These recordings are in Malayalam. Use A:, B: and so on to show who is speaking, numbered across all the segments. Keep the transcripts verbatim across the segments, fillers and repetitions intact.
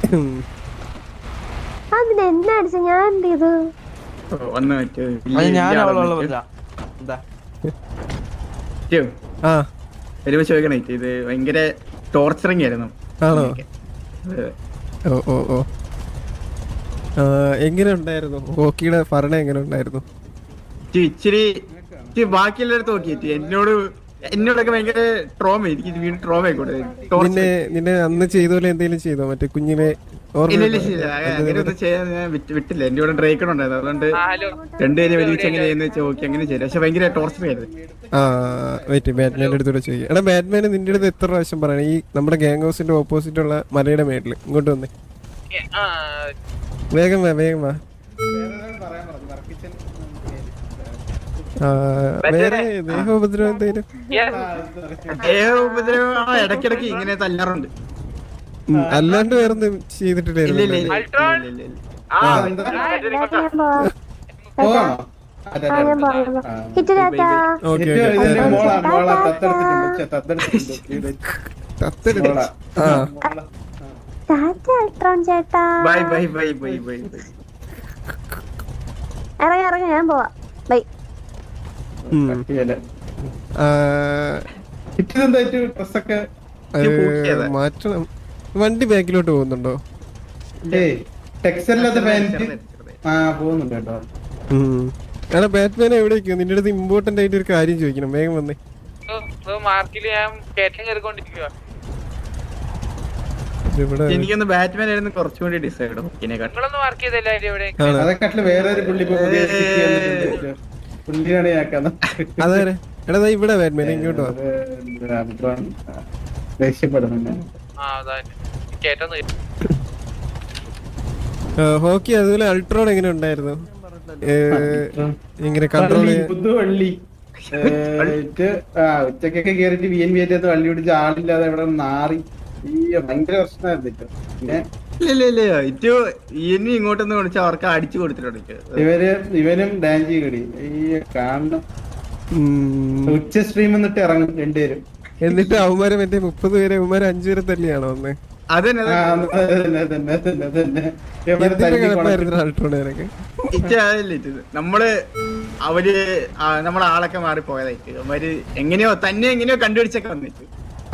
A: അതിനെന്താ അടിച്ച ഞാൻ എന്ത് ചെയ്തു?
B: ചോദിക്കണേ ഇത് ഭയങ്കര ടോർച്ചറിങ് ആയിരുന്നു.
C: ആണോ? ഓ ഓ ഓ എങ്ങനെ ഉണ്ടായിരുന്നു ഹോക്കിയുടെ ഭരണം? എങ്ങനെ ഉണ്ടായിരുന്നു?
B: ഇച്ചിരി ബാക്കിയുള്ളടത്ത് നോക്കിയിട്ട് എന്നോട് എന്നോടൊക്കെ ഭയങ്കര ട്രോമ. എനിക്ക് വീണ്ടും ട്രോമ ആയിക്കോട്ടെ.
C: നിന്നെ നിന്നെ അന്ന് ചെയ്ത പോലെ എന്തെങ്കിലും ചെയ്തോ? മറ്റേ കുഞ്ഞിനെ
B: അങ്ങനെയൊന്നും ചെയ്യാൻ ഞാൻ വിട്ടില്ല. എന്റെ കൂടെ ഡ്രൈക്കൺ ഉണ്ടായിരുന്നു. അതുകൊണ്ട് രണ്ടുപേരും ഒരുമിച്ച് എങ്ങനെ ചെയ്യുന്ന വെച്ചാൽ ഓക്കെ അങ്ങനെ ചെയ്തു. പക്ഷെ ഭയങ്കര ടോർച്ചർ ആയിരുന്നു.
C: ആ വെയിറ്റ് ബാറ്റ്മാൻ്റെ അടുത്തൂടെ ചോദിക്കാം. എടാ ബാറ്റ്മാന് നിന്റെ അടുത്ത് എത്ര പ്രാവശ്യം പറയണം ഈ നമ്മുടെ ഗാങ് ഹൗസിന്റെ ഓപ്പോസിറ്റ് ഉള്ള മലയുടെ മേട്ടില് ഇങ്ങോട്ട് വന്നേ. വേഗം വാ വേഗം വാ. വേറെ ദേഹോപദ്രവം എന്തെങ്കിലും?
B: ദേഹോപദ്രവം ഇടയ്ക്കിടയ്ക്ക് ഇങ്ങനെ തല്ലാറുണ്ട്.
C: അല്ലാണ്ട് വേറൊന്നും ചെയ്തിട്ടില്ലായിരുന്നു.
A: ഇറങ്ങി ഇറങ്ങി ഞാൻ പോവാ. ബൈ.
C: മാറ്റണം. വണ്ടി ബാക്കിലോട്ട് പോകുന്നുണ്ടോ? എടാ ബാറ്റ്മാൻ എവിടേക്കോ? നിന്റെ അടുത്ത് ഇമ്പോർട്ടന്റ് ആയിട്ട് ഒരു കാര്യം ചോദിക്കണം. വേഗം വന്നേ.
B: എനിക്കൊന്ന് ബാറ്റ്മാൻ ആയിരുന്നു കുറച്ചുകൂടി ഡിസൈഡ്.
C: അതെ എടാ ഇവിടെ ബാറ്റ്മാൻ ഇങ്ങോട്ടോ. ഹോക്കി അതുപോലെ അൾട്രോൺ എങ്ങനെ ഉണ്ടായിരുന്നു? ഇങ്ങനെ കൺട്രോൾ
D: ഉച്ചക്കൊക്കെ കേറിട്ട് വി എൻ വി ആയിട്ട് വള്ളി പിടിച്ച് ആളില്ലാതെ ഇവിടെ നാറി ഭയങ്കര പ്രശ്നമായിരുന്നു.
B: ഇങ്ങോട്ടൊന്ന് വിളിച്ച അവർക്ക് അടിച്ചു കൊടുത്തിട്ടുണ്ട്.
D: ഇവര് ഇവനും ഡാൻജി കടി ഈ കാണണം. ഉച്ച സ്ട്രീം എന്നിട്ട് ഇറങ്ങും രണ്ടുപേരും.
C: എന്നിട്ട് അവന്മാരെ മറ്റേ മുപ്പത് പേരെ അവന്മാര് അഞ്ചു പേരെ തല്ലിയാണോ ഒന്ന്?
B: നമ്മള് അവര് നമ്മളെ ആളൊക്കെ മാറിപ്പോയതായിട്ട് അവര് എങ്ങനെയോ തന്നെ എങ്ങനെയോ കണ്ടുപിടിച്ചൊക്കെ വന്നിട്ട്.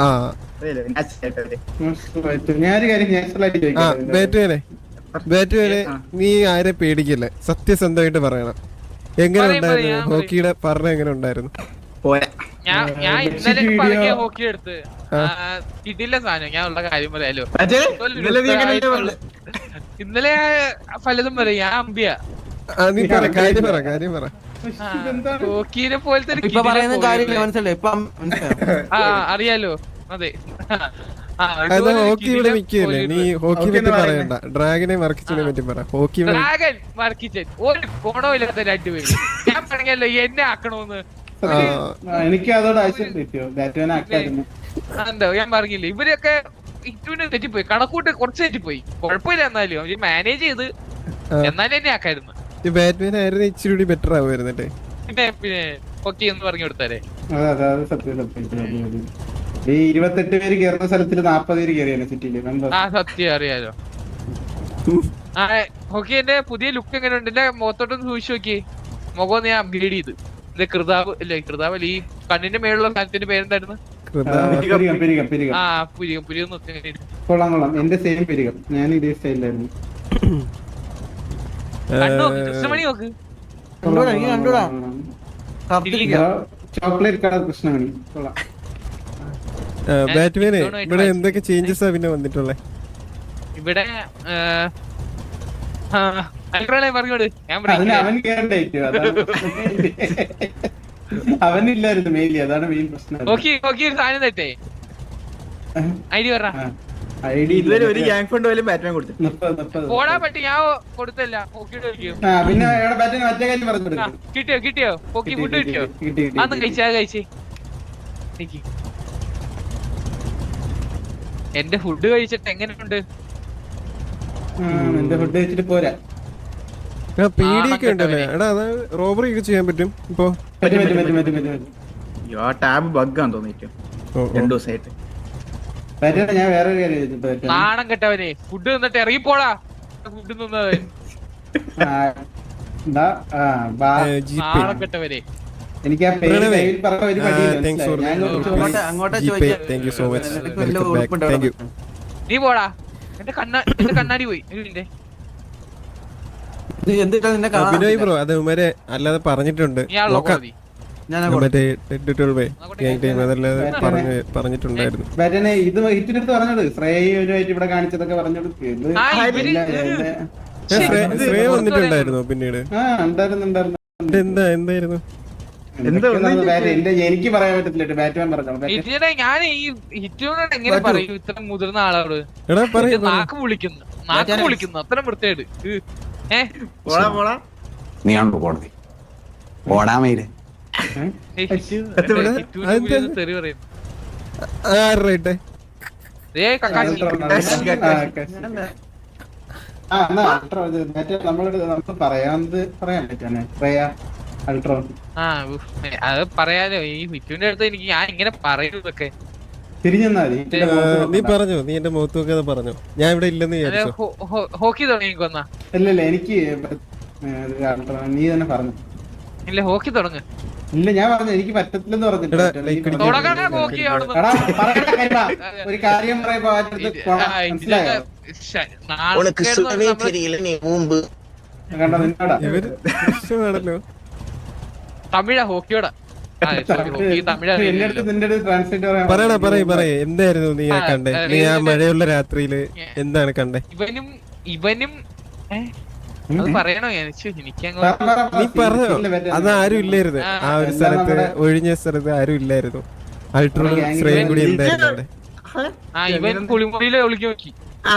C: നീ ആരെ പേടിക്കില്ലേ? സത്യസന്ധമായിട്ട് പറയണം. എങ്ങനെ ഉണ്ടായിരുന്നു ഹോക്കിയുടെ ഭരണം? എങ്ങനെ ഉണ്ടായിരുന്നു?
E: ഞാൻ ഇന്നലെ ഹോക്കി എടുത്ത് കിട്ടില്ല സാധനം. ഞാൻ ഉള്ള കാര്യം പറയാലോ. ഇന്നലെ പലതും പറയും. ഞാൻ അമ്പിയ ഹോക്കിനെ പോലത്തെ അറിയാലോ. അതെ
C: ഹോക്കി ഇവിടെ മിക്കല്ലേ? നീ ഹോക്കി പറ്റി പറയണ്ട. ഡ്രാഗനെ മർക്കിച്ചിനെ പറ്റി പറ. ഹോക്കി
E: ഡ്രാഗൻ മർക്കിച്ചൻ ഒരു ഗുണവും ഇല്ലാത്ത രണ്ടുപേര്. ഞാൻ പറഞ്ഞല്ലോ എന്നെ ആക്കണോന്ന്.
D: എനിക്ക് അതോട്
E: എന്തോ ഞാൻ പറഞ്ഞില്ലേ ഇവരൊക്കെ ഇറ്റുവിന് തെറ്റിപ്പോയി. കണക്കൂട്ട് കുറച്ച് തെറ്റിപ്പോയി. കുഴപ്പമില്ല. എന്നാലും അവര് മാനേജ് ചെയ്ത് എന്നാലും എന്നെ ആക്കായിരുന്നു.
C: ബാറ്റ്മാൻ ആയിരുന്നു ഇച്ചിരി ബെറ്റർ ആവുമായിരുന്നേ.
E: പിന്നെ പിന്നെ ഹോക്കി എന്ന് പറഞ്ഞു കൊടുത്താലേ.
D: ഈ ഇരുപത്തെട്ട് പേര് കയറുന്ന സ്ഥലത്തിൽ നാപ്പത് പേര് കയറിയാണ് സിറ്റിയില്.
E: ആ സത്യം അറിയാലോ. ആ ഹോക്കി എന്റെ പുതിയ ലുക്ക് എങ്ങനെയുണ്ട്? എന്റെ മുഖത്തോട്ടൊന്ന് സൂക്ഷിച്ചു നോക്കി. മുഖം ഞാൻ അപ്ഗ്രേഡ് ചെയ്ത്. ഇത് കൃതാവ് അല്ലേ? കൃതാവ് അല്ല, ഈ കണ്ണിന്റെ മേലുള്ള സ്ഥലത്തിന്റെ പേരെന്തായിരുന്നു? ആ പുരികം. പുരികം
D: കൊള്ളാം കൊള്ളാം. എന്റെ സെയിം പെരികം. ഞാൻ ഇതേ സ്റ്റൈലായിരുന്നു.
E: കൃഷ്ണമണി നോക്ക്.
D: ചോക്ലേറ്റ് കളർ കൃഷ്ണമണി കൊള്ളാം.
C: ബാറ്റ്മാനെ ഇവിടെ എന്തൊക്കെ ചേഞ്ചസ് ആ പിന്നെ വന്നിട്ടുള്ളേ?
E: ഇവിടെ
D: അവനില്ലായിരുന്നു മെയിലി. അതാണ് മെയിൻ പ്രശ്നം.
E: സാധനം തെറ്റേ ഐഡി പറ.
B: ഇതുവരെ ഒരു ഗ്യാങ് ഫണ്ട് പോലും ബാറ്റ്മാൻ കൊടുത്തു.
E: പോടാ പറ്റി ഞാൻ കൊടുത്തല്ല. കിട്ടിയോ കിട്ടിയോ ഹോക്കി ഫുഡ് കിട്ടിയോ? അന്ന് കഴിച്ചാ കഴിച്ചേ. എന്റെ ഫുഡ് കഴിച്ചിട്ട് എങ്ങനെയുണ്ട്?
D: എന്റെ ഫുഡ് കഴിച്ചിട്ട് പോരാ.
C: പേടിയൊക്കെ ഉണ്ടല്ലേ? എടാ അത് റോബറി ഒക്കെ ചെയ്യാൻ പറ്റും ഇപ്പൊ?
B: ടാബ് ബഗ്ഗാന്ന് തോന്നിട്ട് രണ്ടു ദിവസമായിട്ട്.
D: ബാറ്റേനെ ഞാൻ വേറെ ഒരു കാര്യം ചോദിച്ചിട്ട് ബാറ്റേനെ.
E: നാണം കെട്ടവനെ ഫുഡ് നിന്നിട്ട് ഇറങ്ങിപ്പോടാ ഫുഡ് നിന്നത്
D: ആ, എന്താ? ആ, ബാ.
E: നാണം കെട്ടവനെ
D: എനിക്ക് ആ പേര്
C: പ്രണവേ.
D: കയ്യിൽ പറഞ്ഞ ഒരു പണിയില്ല,
C: താങ്ക്സ് ഫോർ
D: മനസ്സിലായോ? ഞാൻ കുറച്ച്
F: അങ്ങോട്ട് അങ്ങോട്ട്
C: ജി പേ
F: ചോദിക്കാം.
C: താങ്ക് യു സോ മച്ച്
F: നിനക്ക് വല്ല
C: വെൽക്കം ബാക്ക്
F: ഉടുപ്പുണ്ടോ
C: താങ്ക് യു.
E: നീ പോടാ എന്റെ കണ്ണാ എന്റെ കണ്ണാടി പോയി ഒരു മിനിറ്റ്.
F: ഇത് എന്തിട്ടാ നിന്നെ കാണാൻ
C: ബിനോയ്
F: പറ്റില്ല.
C: ബ്രോ അത് ഉമ്മരെ അല്ലാതെ പറഞ്ഞിട്ടുണ്ട്
E: നീയാണല്ലോ
C: നോക്കാം.
E: കോടതി.
F: ഞാൻ അങ്ങോട്ട്
C: മറ്റേ ട്വൽവ് ഗ്യാങ് ടീം അതല്ലാതെ
D: ബാറ്റേനെ.
C: പറഞ്ഞ് പറഞ്ഞിട്ടുണ്ടായിരുന്നു.
D: ബാറ്റേനെ ഇത് ഹിറ്റിന്റെ അടുത്ത് പറഞ്ഞോട് ശ്രേയുമായിട്ട് ഇവിടെ കാണിച്ചതൊക്കെ പറഞ്ഞോട് ഇത്
E: ആ, ഇവര്
D: ഇല്ല,
E: ഇവര്
D: എന്നെ-
C: ഏ, ശ്രേ- ശ്രേയ വന്നിട്ടുണ്ടായിരുന്നോ പിന്നീട്?
D: ആ ഉണ്ടായിരുന്നു ഉണ്ടായിരുന്നു
C: ഇത് എന്താ എന്തായിരുന്നു?
D: എന്തൊക്കെയോ നടന്നു ബാറ്റ്. എന്റെ എനിക്ക് പറയാൻ പറ്റത്തില്ല, ബാറ്റ്മാൻ പറഞ്ഞോളൂ. ബാറ്റ്
E: ഹിറ്റിനെ ഞാൻ ഈ ഹിറ്റിനോട് എങ്ങനെ പറയും ഇത്ര മുതിർന്ന ആളോട്
C: എടാ പറയൂ
E: ഇത് നാക്ക് വിളിക്കുന്നു നാക്ക് വിളിക്കുന്നു അത്ര വൃത്തിയായിട്ട് ഏ
B: പോടാ പോടാ
F: നീയാണോ കോടതി ഓടാമയില്
E: ഏയ് ഹിറ്റുവിനെ ഹിറ്റുവിനെ തെറി പറയുന്നു.
C: ആരുടെ
E: ഏ കക്കാശി
D: ആ എന്നാ അൾട്രോ ഇത് മറ്റേ നമ്മളോട് നമുക്ക് പറയാവുന്നത് പറയാൻ പറ്റാനെ ശ്രേയ അൾട്രോ.
E: ആ ഉഫ്. ഏ, അത് പറയാലോ ഈ ഹിറ്റുവിന്റെ അടുത്ത് എനിക്ക് ഞാൻ ഇങ്ങനെ പറയുന്നതൊക്കെ
D: തിരിഞ്ഞെന്നാ മതി. ഇതിന്റെ മുഖത്ത്
C: നീ
D: നോക്കണ്ട.
C: പറഞ്ഞോ, നീ എന്റെ മുഖത്ത് നോക്കാതെ പറഞ്ഞോ. ഞാൻ ഇവിടെ ഇല്ലെന്ന് വിചാരിച്ചോ?
E: ഹോക്കി തുടങ്ങി കൊന്നാ
D: ഇല്ല ഇല്ല എനിക്ക് ഏ, ഇത് അൾട്രോ നീ തന്നെ പറഞ്ഞു.
E: ഇല്ല ഹോക്കി തുടങ്ങ്
D: ഇല്ല ഞാൻ പറഞ്ഞു എനിക്ക് പറ്റത്തില്ലെന്ന് പറഞ്ഞിട്ട്
C: എടാ,
D: പറ്റില്ല.
C: like
D: എനിക്ക്
E: തുടങ്ങണ ഹോക്കി അവിടുന്ന്
D: എടാ, പറയണ്ട കാര്യമാ. ഒരു കാര്യം പറയുമ്പോ അതിനകത്ത്
E: ഇത്
D: കൊണ,
E: ആ,
D: മനസ്സിലായോ?
E: ഇതിലൊക്കെ ശ-
G: உனக்கு
E: നാണക്കേട്
G: சுடவே
E: നമ്മള്
G: தெரியல நீ ஊம்பு
D: കണ്ടോ നിന്നോടാ
C: ഇവര് പ്രശ്നമാണല്ലോ.
E: തമിഴാ ഹോക്കിയോടാ ആ, sorry, ഹോക്കി തമിഴാ
D: എന്റെ അടുത്ത് നിന്റെ അടുത്ത് ട്രാൻസ്ലേറ്റ്
C: പറയണ പറയ് പറയ് എന്തായിരുന്നു നീ ആ
E: ആ,
C: കണ്ടേ?
E: ആ,
C: നീ ആ
E: ഇതിന്റെ-
C: മഴയുള്ള രാത്രിയില് എന്താണ് കണ്ടേ?
E: ഇവനും ഇവനും ഏ അത് പറയണോ എനിക്ക് എനിക്കങ്ങ്
C: നീ പറഞ്ഞോ. അത് ആരും ഇല്ലായിരുന്നു
E: ആ,
C: ആ ഒരു
D: എന്താ
C: സ്ഥലത്ത്,
D: നമ്മുടെ-
C: ഒഴിഞ്ഞ സ്ഥലത്ത് ആരും ഇല്ലായിരുന്നു. അൾട്രോളും
D: നമ്മുടെ gang
C: ശ്രേയും കൂടി എന്തായിരുന്നു അവിടെ?
E: ആ ഇവൻ കുളിമുറിയിലെ ഒളിക്കി നോക്കി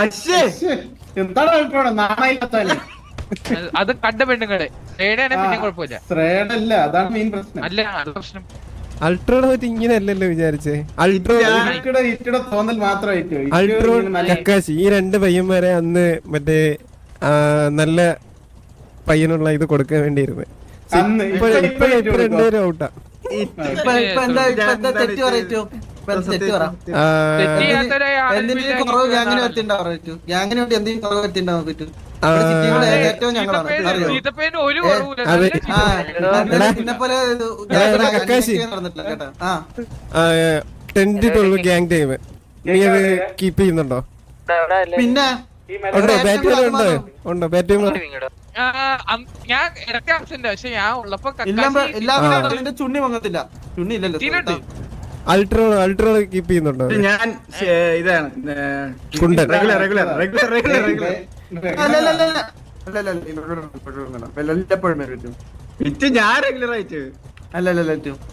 D: എന്താണ് അൾട്രോടെ നാണയില്ലാത്തവനെ.
E: അത് അത് കണ്ട പെണ്ണുങ്ങളെ ഏടെയാണെ പിന്നെ കുഴപ്പമില്ല
D: ശ്രേയടല്ല അതാണ് മെയിൻ പ്രശ്നം.
E: അല്ല അത് പ്രശ്നം
C: അൾട്രോളെ പറ്റി ഇങ്ങനെ അല്ലല്ലോ വിചാരിച്ചേ. അൾട്രോ
D: ഇറ്റിയുടെ ഇറ്റിയുടെ തോന്നൽ മാത്രമായിട്ട്
C: അൾട്രോ കക്കാശി ഈ രണ്ട് പയ്യന്മാരെ അന്ന് മറ്റേ ആ, നല്ല പയ്യനുള്ള ഇത് കൊടുക്കാൻ വേണ്ടിയിരുന്നു.
D: അന്ന്
C: ഇപ്പൊ
D: ഇപ്പൊ-
C: ഇപ്പൊ
D: ഇപ്പൊ
C: ഇപ്പൊ രണ്ടുപേരും ഔട്ടാ.
F: ഇപ്പൊ ഇപ്പൊ എന്താ ഇപ്പൊ എന്താ തെറ്റ് പറയറ്റോ ഇപ്പൊ എന്താ തെറ്റ് പറ
C: ആ,
E: തെറ്റ് ചെയ്യാത്തൊരു
F: എന്തിനും കുറവ് ഗ്യാങ്ങിന് പറ്റിണ്ടാവും പറ്റൂ ഗ്യാങ്ങിന് വേണ്ടി എന്തെങ്കിലും കുറവ് പറ്റിണ്ടാവാൻ പറ്റൂ
C: ആ,
F: ഇവിടെ സിറ്റിയിലെ ഏറ്റവും ഞങ്ങളാണ് അറിയോ
E: ചീത്തപ്പേന് ഒരു കുറവുമില്ല
C: അതെ.
E: നല്ല
F: ആ
E: ചീത്ത.
F: നിന്നെ പോലെ
C: എടാ, എടാ, കക്കാശി.
F: നടന്നിട്ടില്ല കേട്ടോ ആ
C: ആ, ടെൻറ്റ് തൊഴിൽ ഗ്യാങ് ടൈം നീ അത് കീപ്പ് ചെയ്യുന്നുണ്ടോ?
F: പിന്നെ
C: ഉണ്ടോ? ബാറ്റ് ഉണ്ടോ? ഉണ്ടോ ബാറ്റ്
E: ആ, അം- ഞാൻ ഇടയ്ക്ക് ആബ്സെന്റ് പക്ഷെ ഞാൻ ഉള്ളപ്പോ
F: എല്ലാം
E: കക്കാശി
F: എല്ലാം നിന്റെ ചുണ്ണി മങ്ങത്തില്ല ചുണ്ണി ഇല്ലല്ലോ
E: ചീനുണ്ട്.
C: അൾട്രോ അൾട്രോ കീപ്പ് ചെയ്യുന്നുണ്ടോ?
B: ഞാൻ ഏ, ഇതാണ്
C: കുണ്ടൻ.
B: Regular regular regular regular regular
F: അല്ല അല്ല അല്ല അല്ല അല്ല അല്ല അല്ല ഇവിടെ ഇവിടെ ഇവിടെ ഇവിടെ ഇവിടെ വല്ലപ്പോഴും വരും പറ്റും.
B: വിറ്റ് ഞാൻ റെഗുലർ ആയിട്ട്
F: അല്ല അല്ല അല്ല പറ്റും.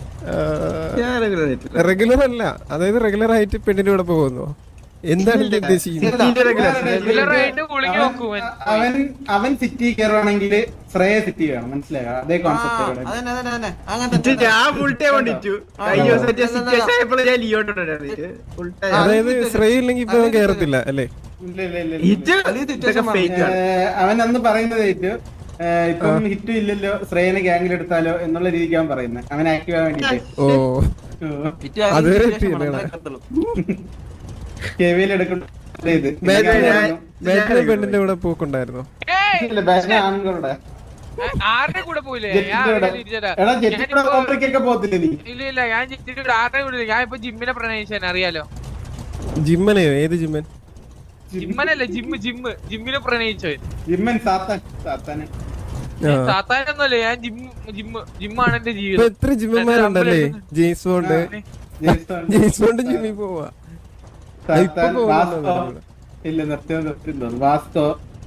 B: ഞാൻ റെഗുലർ ആയിട്ട്
C: റെഗുലർ അല്ല, അതായത് റെഗുലർ ആയിട്ട് പെണ്ണിന്റെ കൂടെ പോകുന്നു. എന്താണ് ഇത് ഉദ്ദേശിക്കുന്നത്?
E: റെഗുലർ ആയിട്ട് കുളിക്ക് നോക്കും
D: അവൻ അവൻ സിറ്റി കയറുവാണെങ്കിൽ ശ്രേയ സിറ്റി വേണം, മനസ്സിലായോ? അതേ
F: ആ,
D: കോൺസെപ്റ്റ്
F: അതന്നെ അതന്നെ അതന്നെ അങ്ങനെ
B: വിറ്റ്
F: തന്നെ.
B: ഞാൻ ഫുൾ ടൈം കൊണ്ടിട്ടു കഴിഞ്ഞ ദിവസം സിറ്റുവേഷൻ ആയപ്പോൾ ഞാൻ ലിയോട്ടുണ്ടായിരുന്നു ഫുൾ ടൈം
C: അതായത് ശ്രേയ ഇല്ലെങ്കിൽ ഇപ്പൊ അവൻ കേറത്തില്ല അല്ലേ?
D: ഇല്ല ഇല്ല ഇല്ല
B: ഹിറ്റ്
F: വലിയ situation ആണ്.
B: ഫേക്ക് ആണ്
D: ഏഹ് അവൻ അന്ന് പറയുന്നത് ഏറ്റു ഇപ്പം ഹിറ്റും ഇല്ലല്ലോ ശ്രേയനെ ഗ്യാങ്ങിൽ എടുത്താലോ എന്നുള്ള രീതിക്ക് അവൻ പറയുന്നത്, അവൻ ആക്റ്റീവ് ആവാൻ വേണ്ടിട്ട്
C: ഓ,
F: വിറ്റ് ആദ്യം
C: അതുവരെ
F: situation
C: എത്തിയില്ല.
F: ആണ്, കത്തുള്ളൂ.
D: കെവിയിൽ എടുക്കുന്ന ഇത്
C: ബാറ്റിലെ പെണ്ണിന്റെ കൂടെ പോക്കുണ്ടായിരുന്നോ?
D: ഇല്ല, ബാറ്റിന് ആണുങ്ങളുടെ
E: ആരുടെ കൂടെ പോയില്ലേ ഞാൻ
D: ജെറ്റിന്റെ കൂടെ.
E: ആരുടെ ഇരിച്ചതാ.
D: എടാ ജെറ്റിയുടെ
E: ഞാനിപ്പോ-
D: കോപ്പറിക്കൊക്കെ പോകത്തില്ലേ നീ?
E: ഇല്ല ഇല്ല ഞാൻ ജിറ്റിന്റെ കൂടെ ആരുടെ കൂടെ ഇല്ല. ഞാൻ ഇപ്പൊ ജിമ്മിനെ പ്രണയിച്ചാൻ അറിയാലോ.
C: ജിമ്മനെയോ? ഏത് ജിമ്മൻ?
E: ജിമ്മനല്ല ജിമ്മ് ജിമ്മ് ജിമ്മിനെ പ്രണയിച്ചോ.
D: ജിമ്മൻ സാത്താൻ സാത്താന്
C: ആ.
E: സാത്താനൊന്നുമല്ല ഞാൻ ജിമ്മ് ജിമ്മ് ജിമ്മാണ് എന്റെ
C: ഇപ്പൊ
E: ജീവിതം.
C: എത്ര ജിമ്മന്മാരുണ്ടല്ലേ? James Bond
D: Jason,
C: James Bond ജിമ്മിൽ പോവാ. അത് ഇപ്പൊ
D: സാത്താൻ,
C: പോകുന്നുണ്ടോ
D: വാസ്കോ.
C: ഇവിടെ?
D: ഇല്ല നിർത്തിയോ നിർത്തിയോ വാസ്കോ.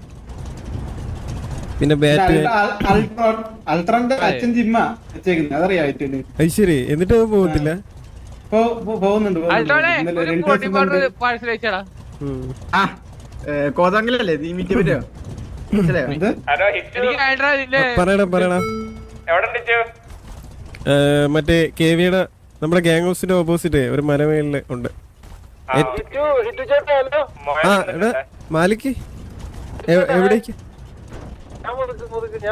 C: പിന്നെ ബാറ്റ്.
D: അൾട്രോൺ അൾട്രോന്റെ അച്ഛൻ ജിമ്മാ വെച്ചേക്കുന്നത്, അതറിയാ ഏറ്റവും
C: ഐശ്വര്യ എന്നിട്ട് അവൻ പോകത്തില്ല.
D: പോകുന്നുണ്ട് പോകുന്നുണ്ട്.
E: അൾട്ടോടെ
D: ഇന്നലെ
E: ഒരു
D: രണ്ട്
E: പ്രോട്ടീൻ
D: ദിവസം
E: പൗഡർ
D: മുമ്പ്
E: പാഴ്സൽ അയച്ചാടാ.
C: ഉം.
B: ആ കോതങ്കിലല്ലേ നീ മീറ്റ് പറ്റോ മനസ്സിലായോ
D: എന്ത്?
E: എനിക്ക് അയണ്ടാ നിന്റെ
C: പറയണം പറയണം. ഏ, മറ്റേ കെവിയുടെ നമ്മുടെ ഗ്യാങ് ഹൗസിന്റെ ഓപ്പോസിറ്റ് ഒരു മരമേലില് ഉണ്ട്. ആ എടാ മാലിക്ക് എവിടേക്ക്?